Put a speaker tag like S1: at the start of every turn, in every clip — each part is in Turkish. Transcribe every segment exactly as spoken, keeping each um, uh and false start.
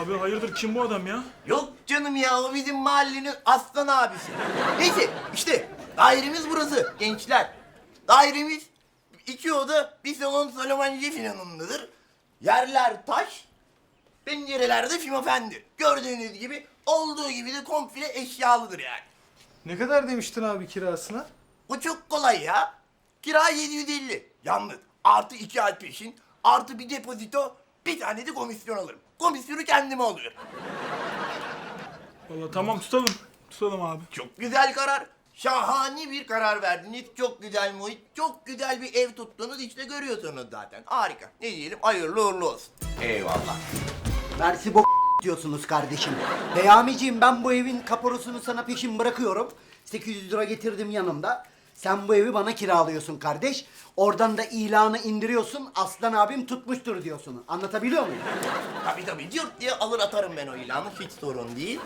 S1: Abi hayırdır, kim bu adam ya?
S2: Yok canım ya, o bizim mahallenin aslan abisi. Neyse işte dairemiz burası gençler. Dairemiz iki oda, bir salon Salomence filanındadır. Yerler taş, pencerelerde fimofendi. Gördüğünüz gibi olduğu gibi de komple eşyalıdır yani.
S3: Ne kadar demiştin abi kirasına?
S2: Bu çok kolay ya. Kira yedi yüz elli. Yalnız artı iki ay peşin, artı bir depozito, bir tane de komisyon alırım. Komisyonu kendime alıyorum.
S1: Vallahi tamam, tutalım. Tutalım abi.
S2: Çok güzel karar. Şahane bir karar verdiniz. Çok güzel muhit, çok güzel bir ev tuttunuz. İşte görüyorsunuz zaten. Harika. Ne diyelim? Hayırlı uğurlu olsun. Eyvallah.
S4: Mersi bok diyorsunuz kardeşim. Beyamiciğim, ben bu evin kaporosunu sana peşin bırakıyorum. sekiz yüz lira getirdim yanımda. Sen bu evi bana kiralıyorsun kardeş. Oradan da ilanı indiriyorsun. Aslan abim tutmuştur diyorsun. Anlatabiliyor muyum?
S2: Tabii tabii. Cırt diye alır atarım ben o ilanı. Hiç sorun değil.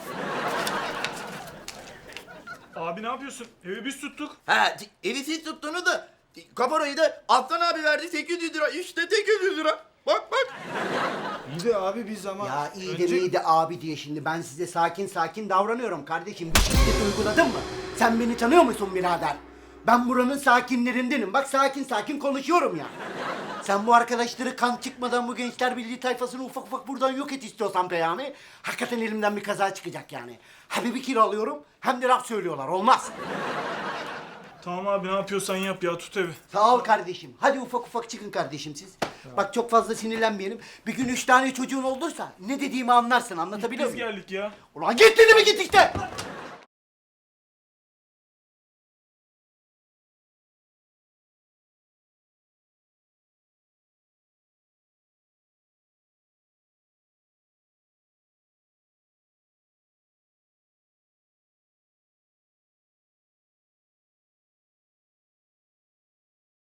S1: Abi ne yapıyorsun? Evi biz tuttuk.
S2: Ha, t- evi siz tuttunuz da kaparayı da Aslan abi verdi sekiz yüz lira. İşte sekiz yüz lira. Bak bak.
S3: İyi de abi biz ama...
S4: Ya iyi
S3: önce-
S4: de iyi de abi diye şimdi ben size sakin sakin davranıyorum kardeşim. Bir şiddet uyguladın mı? Sen beni tanıyor musun birader? Ben buranın sakinlerindenim. Bak sakin sakin konuşuyorum ya. Sen bu arkadaşları kan çıkmadan bu Gençler Birliği tayfasını ufak ufak buradan yok et istiyorsan Peyami. Hakikaten elimden bir kaza çıkacak yani. Hem bir kiralıyorum hem de laf söylüyorlar. Olmaz.
S1: Tamam abi, ne yapıyorsan yap ya, tut evi.
S4: Sağ ol kardeşim. Hadi ufak ufak çıkın kardeşim siz. Bak çok fazla sinirlenmeyelim. Bir gün üç tane çocuğun olursa ne dediğimi anlarsın. Anlatabiliyor
S1: Biz
S4: muyum?
S1: geldik ya.
S4: Ulan git dedi mi git işte.